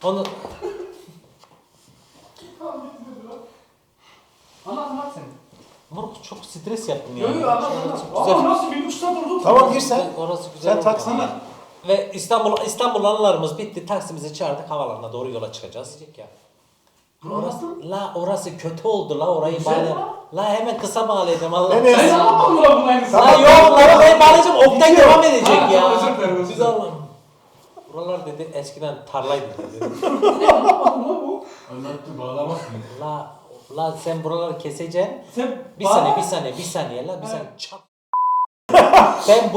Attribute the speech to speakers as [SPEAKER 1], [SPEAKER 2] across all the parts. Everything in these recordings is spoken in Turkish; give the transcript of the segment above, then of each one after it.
[SPEAKER 1] Onu
[SPEAKER 2] Anlat sen.
[SPEAKER 1] Moruk çok stres yaptım ya.
[SPEAKER 2] Yok yok anlat. Ama nasıl bir buçuk saat durduk?
[SPEAKER 3] Tamam gir sen.
[SPEAKER 1] Orası güzel.
[SPEAKER 3] Sen
[SPEAKER 1] oldu.
[SPEAKER 3] taksana.
[SPEAKER 1] Ve İstanbul anılarımız bitti. Taksimizi çağırdık. Havalarına doğru yola çıkacağız. Diyecek ya. Orası kötü oldu la orayı
[SPEAKER 2] Güzel
[SPEAKER 1] bağla.
[SPEAKER 2] lan.
[SPEAKER 1] La hemen kısa bağlayacağım Allah.
[SPEAKER 3] Enes.
[SPEAKER 2] Sen anlatmadın mı lan bunu aynısı?
[SPEAKER 1] La yok la orayı bağlayacağım. Oktay
[SPEAKER 3] Gidiyor.
[SPEAKER 1] devam edecek
[SPEAKER 2] Ha,
[SPEAKER 1] ya.
[SPEAKER 2] özür dilerim, özür
[SPEAKER 1] Biz
[SPEAKER 2] dilerim.
[SPEAKER 1] Allah'ım. Buralar dedi eskiden tarlaydı dedi.
[SPEAKER 2] Anlatmadın mı bu?
[SPEAKER 4] Anlattı bağlamazsın.
[SPEAKER 1] La sen buraları keseceksin.
[SPEAKER 2] Sen
[SPEAKER 1] Bir saniye la bir saniye. Çat. ben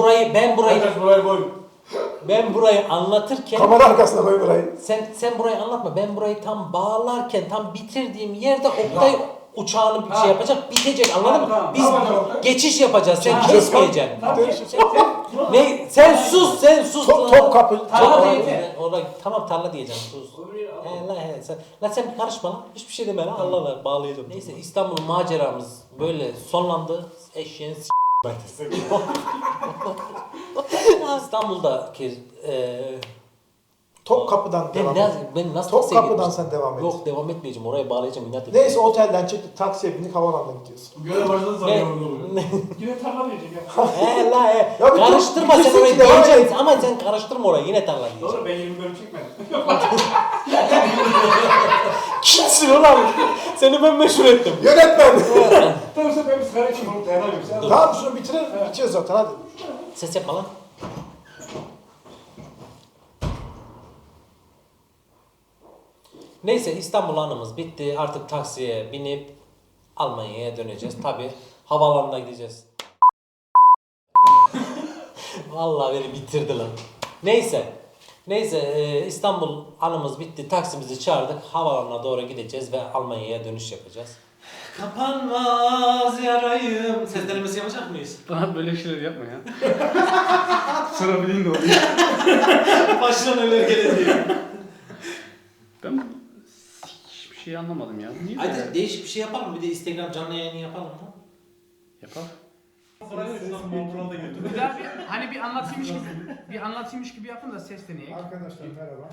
[SPEAKER 1] burayı anlatırken
[SPEAKER 3] Kamera arkasına koy burayı.
[SPEAKER 1] sen burayı anlatma. Ben burayı tam bağlarken tam bitirdiğim yerde Oktay uçağını bir şey yapacak, bitecek. Anladın mı?
[SPEAKER 2] Tamam,
[SPEAKER 1] Biz
[SPEAKER 2] tamam.
[SPEAKER 1] geçiş yapacağız. Sen
[SPEAKER 2] Ha,
[SPEAKER 1] kesmeyeceksin.
[SPEAKER 2] Tamam.
[SPEAKER 1] Ne? Sen sus.
[SPEAKER 3] Top kapı.
[SPEAKER 2] Tarla
[SPEAKER 1] Orayı-
[SPEAKER 2] diyeceğim.
[SPEAKER 1] tamam tarla diyeceğim. Sus. Sen karışma lan. Hiçbir şey deme lan. Allah Allah bağlayacağım. Neyse İstanbul maceramız böyle sonlandı. Eşeğin İstanbul'daki
[SPEAKER 3] Top kapıdan devam et.
[SPEAKER 1] ben nasıl
[SPEAKER 3] Top
[SPEAKER 1] taksiye
[SPEAKER 3] kapıdan
[SPEAKER 1] gitmiştim?
[SPEAKER 3] sen devam et.
[SPEAKER 1] Yok devam etmeyeceğim. Oraya bağlayacağım. İnat edeceğim.
[SPEAKER 3] Neyse otelden çıktık taksiye bindik havalanına gidiyorsun.
[SPEAKER 4] Görev başladı
[SPEAKER 1] Ne?
[SPEAKER 4] sanıyorum.
[SPEAKER 2] Yine tarla diyecek ya.
[SPEAKER 1] He.
[SPEAKER 3] Ya bir
[SPEAKER 1] Karıştırma
[SPEAKER 3] dur,
[SPEAKER 1] sen
[SPEAKER 3] bir
[SPEAKER 1] orayı
[SPEAKER 3] kesin devam
[SPEAKER 1] diyeceksin
[SPEAKER 3] et.
[SPEAKER 1] ama sen karıştırma orayı yine tarla diyeceksin.
[SPEAKER 2] Doğru ben 20 bölüm çekmedim.
[SPEAKER 1] Kimsin ulan? Seni ben meşhur ettim.
[SPEAKER 3] Yönetmen.
[SPEAKER 2] Tamam sen ben bir sigara içeyim onu dayanamıyorum. Sen
[SPEAKER 1] Dur.
[SPEAKER 3] Tamam şunu bitirelim. Bitiyor zaten hadi.
[SPEAKER 1] Ses yapma lan. Neyse İstanbul anımız bitti. Artık taksiye binip Almanya'ya döneceğiz. Tabi havaalanına gideceğiz. Vallahi beni bitirdi lan. Neyse İstanbul anımız bitti. Taksimizi çağırdık. Havaalanına doğru gideceğiz ve Almanya'ya dönüş yapacağız. Kapanmaz yarayım. Ses denemesi yapacak mıyız?
[SPEAKER 5] Bana böyle şeyler yapma ya. Sonra bileyim de oluyor.
[SPEAKER 1] Başına neler geleceği.
[SPEAKER 5] Ben hiçbir şey anlamadım ya. Niye
[SPEAKER 1] Hadi
[SPEAKER 5] böyle
[SPEAKER 1] değişik bir şey yapalım. Bir de Instagram canlı yayını yapalım mı?
[SPEAKER 5] yapar?
[SPEAKER 6] Güzel hani bir anlatıymış gibi yapın da ses deneyin.
[SPEAKER 3] Arkadaşlar merhaba.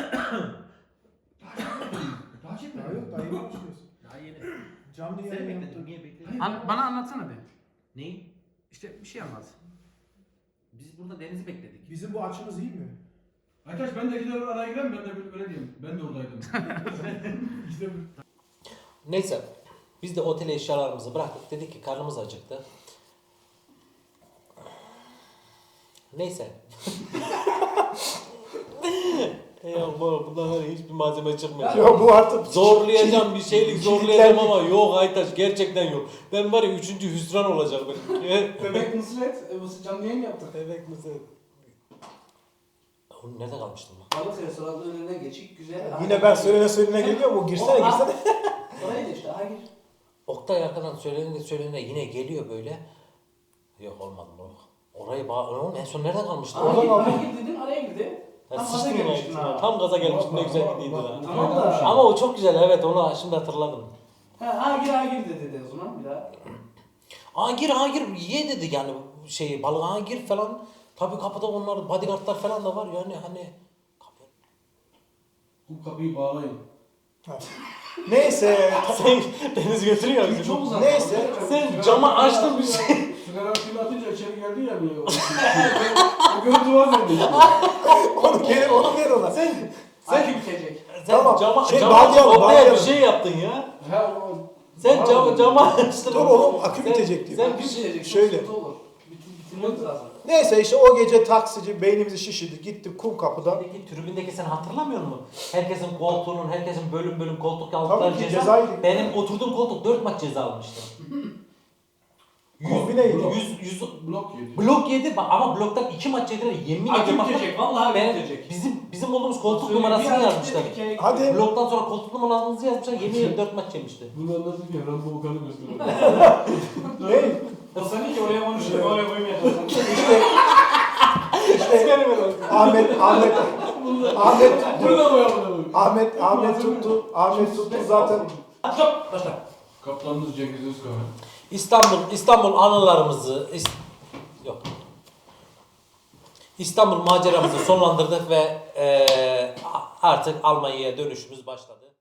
[SPEAKER 2] Daha çekme.
[SPEAKER 3] Daha yok daha yeni başlıyoruz.
[SPEAKER 1] Daha yeni.
[SPEAKER 3] Canlı
[SPEAKER 1] Seni
[SPEAKER 3] yayın
[SPEAKER 1] bekledim.
[SPEAKER 3] yaptık.
[SPEAKER 1] Niye bekledin?
[SPEAKER 6] Bana anlatsana de.
[SPEAKER 1] Neyi?
[SPEAKER 6] İşte bir şey anlat.
[SPEAKER 1] Biz burada Deniz'i bekledik.
[SPEAKER 3] Bizim bu açımız iyi mi?
[SPEAKER 4] Arkadaş ben de gider araya gireyim ben de böyle diyeyim. Ben de oradaydım. İşte
[SPEAKER 1] Neyse. Biz de otel eşyalarımızı bıraktık. Dedik ki karnımız acıktı. Neyse. Ya bundan sonra hiçbir malzeme çıkmıyor.
[SPEAKER 3] Ya bu artık
[SPEAKER 1] Zorlayacağım bir şeylik
[SPEAKER 3] kilitlendik.
[SPEAKER 1] zorlayacağım ama yok Aytaç gerçekten yok. Ben var ya 3. hüsran olacak benim.
[SPEAKER 2] Bebek Nusret, bu canlı yayın yaptık.
[SPEAKER 1] Bebek misin? Oğlum nerede kalmıştım ben?
[SPEAKER 2] Balık restoranının önüne geçik, güzel.
[SPEAKER 3] Yine ben söylene geliyor mu? Girsene.
[SPEAKER 2] Oraya da işte, aha gir.
[SPEAKER 1] Oktay arkadan söylene yine geliyor böyle. Yok olmadı bu. Orayı oğlum en son nerede kalmıştın?
[SPEAKER 2] Aha
[SPEAKER 3] Oradan
[SPEAKER 2] gir, aha gir dedin, araya girdi.
[SPEAKER 1] Ya
[SPEAKER 2] Tam gaza
[SPEAKER 1] sıçtım
[SPEAKER 2] gelmiştin
[SPEAKER 1] ya.
[SPEAKER 2] ha.
[SPEAKER 1] Tam gaza gelmiştim ne güzel gidiydi lan.
[SPEAKER 2] Tamam da.
[SPEAKER 1] Ama o çok güzel evet onu şimdi hatırladım.
[SPEAKER 2] Ha gir dedi o zaman bir daha.
[SPEAKER 1] Aa gir ye dedi yani balığa gir falan. Tabii kapıda onlar bodyguardlar falan da var yani hani.
[SPEAKER 4] bu kapıyı bağlayın.
[SPEAKER 3] Neyse.
[SPEAKER 1] Sen Deniz götürüyor bizi.
[SPEAKER 2] Çok uzak.
[SPEAKER 3] Neyse.
[SPEAKER 1] Sen camı açtın bir şey.
[SPEAKER 4] Sigara suyunu atınca içeri geldi ya böyle. O görüntü var bende.
[SPEAKER 3] Onu ver ona.
[SPEAKER 2] Sen bitecek.
[SPEAKER 1] Sen
[SPEAKER 3] Tamam,
[SPEAKER 1] cama
[SPEAKER 3] bağlayalım,
[SPEAKER 1] Oktay'a bir
[SPEAKER 3] bağlayalım.
[SPEAKER 1] şey yaptın ya.
[SPEAKER 4] Ha o.
[SPEAKER 1] Sen cama açtın.
[SPEAKER 3] Dur oğlum akü bitecek diyor.
[SPEAKER 1] Sen
[SPEAKER 2] Bir şey bitecek.
[SPEAKER 3] şöyle.
[SPEAKER 2] Çok sıkıntı olur. Bitirmemiz lazım.
[SPEAKER 3] Neyse işte o gece taksici beynimizi şişirdi. Gittik kum kapıda.
[SPEAKER 1] Peki tribündeki sen hatırlamıyor musun? Herkesin koltuğunun, herkesin bölüm koltuk aldıkları
[SPEAKER 3] Tabii ki
[SPEAKER 1] ceza.
[SPEAKER 3] cezaydı.
[SPEAKER 1] Benim oturduğum koltuk 4 maç ceza almıştı.
[SPEAKER 3] Kombineydi.
[SPEAKER 1] 100
[SPEAKER 4] Blok yedi.
[SPEAKER 1] blok yedi ama bloktan 2 maç yediler. Yemin
[SPEAKER 2] Akü
[SPEAKER 1] ediyorum. bak-
[SPEAKER 2] bitecek. Vallahi
[SPEAKER 1] Ben,
[SPEAKER 2] bitecek.
[SPEAKER 1] bizim olduğumuz koltuk
[SPEAKER 2] Söyle,
[SPEAKER 1] numarasını
[SPEAKER 2] bir ay
[SPEAKER 1] yazmışlar.
[SPEAKER 2] gitti, 2 ay gitti.
[SPEAKER 3] Hadi.
[SPEAKER 1] Bloktan sonra koltuk numaranızı yazmışlar. Yemin ediyorum 4 maç yemişti.
[SPEAKER 4] Bunu anlatıp ya Rambo Okan'ı gösteriyor.
[SPEAKER 3] Ne?
[SPEAKER 2] O seni ki oraya konuşuyor, oraya koymayacaksın.
[SPEAKER 3] İşte
[SPEAKER 4] Burada mı yapalım?
[SPEAKER 3] Ahmet tuttu. Ahmet tuttu zaten.
[SPEAKER 2] Stop, başla.
[SPEAKER 4] Kaptanımız Cengiz Özkan.
[SPEAKER 1] İstanbul anılarımızı İstanbul maceramızı sonlandırdık ve artık Almanya'ya dönüşümüz başladı.